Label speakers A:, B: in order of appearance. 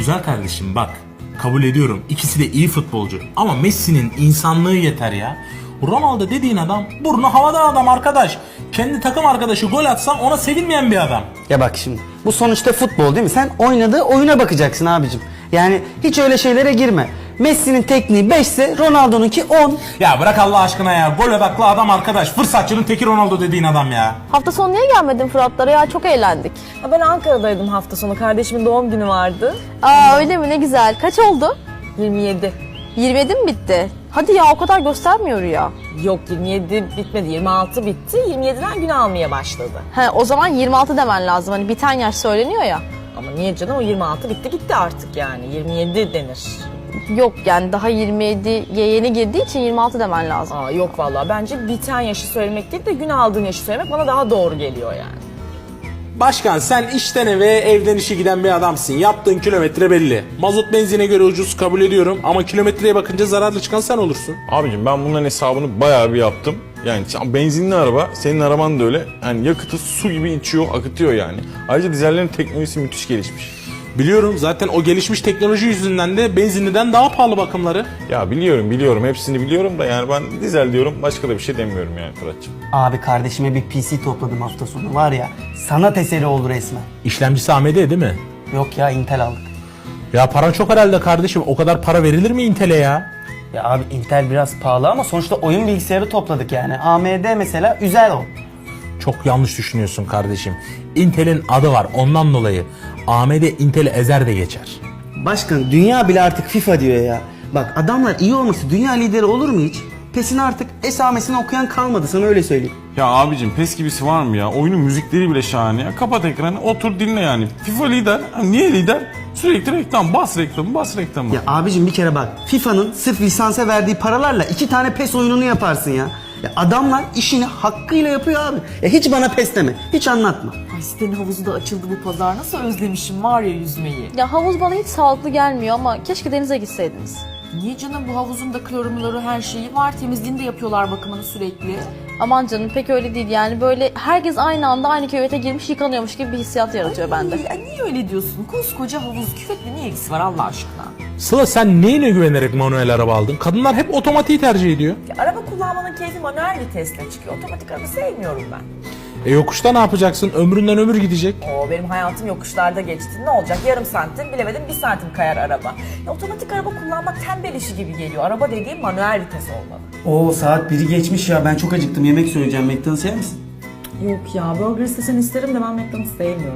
A: Güzel kardeşim bak, kabul ediyorum ikisi de iyi futbolcu ama Messi'nin insanlığı yeter ya. Ronaldo dediğin adam burnu havada adam arkadaş. Kendi takım arkadaşı gol atsa ona sevinmeyen bir adam.
B: Ya bak şimdi bu sonuçta futbol değil mi? Sen oynadığı oyuna bakacaksın abicim. Yani hiç öyle şeylere girme. Messi'nin tekniği 5 ise Ronaldo'nunki 10.
A: Ya bırak Allah aşkına ya, gol odaklı adam arkadaş. Fırsatçının teki Ronaldo dediğin adam ya.
C: Hafta sonu niye gelmedin Fıratlara ya? Çok eğlendik.
D: Ha, ben Ankara'daydım hafta sonu. Kardeşimin doğum günü vardı.
C: Aa öyle mi? Ne güzel. Kaç oldu?
D: 27.
C: 27 mi bitti? Hadi ya, o kadar göstermiyor ya.
D: Yok 27 bitmedi. 26 bitti. 27'den gün almaya başladı.
C: He, o zaman 26 demen lazım. Hani biten yaş söyleniyor ya.
D: Ama niye canım, o 26 bitti gitti artık yani. 27 denir.
C: Yok yani daha 27'ye yeni girdiği için 26 demen lazım.
D: Aa yok vallahi, bence biten yaşı söylemek değil de gün aldığın yaşı söylemek bana daha doğru geliyor yani.
A: Başkan sen işten eve evden işe giden bir adamsın. Yaptığın kilometre belli. Mazot benzine göre ucuz, kabul ediyorum ama kilometreye bakınca zararlı çıkan sen olursun.
E: Abicim ben bunların hesabını bayağı bir yaptım. Yani benzinli araba, senin araban da öyle. Yani yakıtı su gibi içiyor, akıtıyor yani. Ayrıca dizellerin teknolojisi müthiş gelişmiş.
A: Biliyorum, zaten o gelişmiş teknoloji yüzünden de benzinliden daha pahalı bakımları.
E: Ya biliyorum hepsini biliyorum da yani ben dizel diyorum, başka da bir şey demiyorum yani Fırat'cığım.
B: Abi kardeşime bir PC topladım hafta sonu var ya, sanat eseri oldu resmen.
A: İşlemcisi AMD değil mi?
B: Yok ya, Intel aldık.
A: Ya paran çok herhalde kardeşim. O kadar para verilir mi Intel'e ya?
B: Ya abi Intel biraz pahalı ama sonuçta oyun bilgisayarı topladık yani. AMD mesela üzer o.
A: Çok yanlış düşünüyorsun kardeşim. Intel'in adı var, ondan dolayı. AMD Intel'i ezer de geçer.
B: Başkan dünya bile artık FIFA diyor ya. Bak adamlar iyi olması dünya lideri olur mu hiç? PES'in artık esamesini okuyan kalmadı, sana öyle söyleyeyim.
E: Ya abicim PES gibisi var mı ya? Oyunun müzikleri bile şahane ya. Kapat ekranı, otur dinle yani. FIFA lider. Niye lider? Sürekli reklam, bas reklamı.
B: Ya abicim bir kere bak, FIFA'nın sırf lisansa verdiği paralarla 2 tane PES oyununu yaparsın ya. Ya adamlar işini hakkıyla yapıyor abi. Ya hiç bana PES deme, hiç anlatma.
D: Ay sitenin havuzu da açıldı bu pazar. Nasıl özlemişim var ya yüzmeyi.
C: Ya havuz bana hiç sağlıklı gelmiyor ama keşke denize gitseydiniz.
D: Niye canım, bu havuzun da klorumları her şeyi var. Temizliğini de yapıyorlar, bakımını sürekli.
C: Aman canım pek öyle değil yani, böyle herkes aynı anda aynı küvete girmiş yıkanıyormuş gibi bir hissiyat yaratıyor bende.
D: Ay, niye öyle diyorsun? Koskoca havuz, küvetle ne ilgisi var Allah aşkına?
A: Sıla sen neyine güvenerek manuel araba aldın? Kadınlar hep otomatiği tercih ediyor.
D: Ya, araba kullanmanın keyfi manuel vitesle çıkıyor. Otomatik araba sevmiyorum ben.
A: Yokuşta ne yapacaksın? Ömründen ömür gidecek.
D: Oo, benim hayatım yokuşlarda geçti. Ne olacak? Yarım santim, bilemedim 1 santim kayar araba. Ya, otomatik araba kullanmak tembel işi gibi geliyor. Araba dediğim manuel vites olmalı.
B: Oo saat 1'i geçmiş ya, ben çok acıktım, yemek söyleyeceğim. McDonald's yer misin?
D: Yok ya, burger istesen isterim de ben McDonald's sevmiyorum.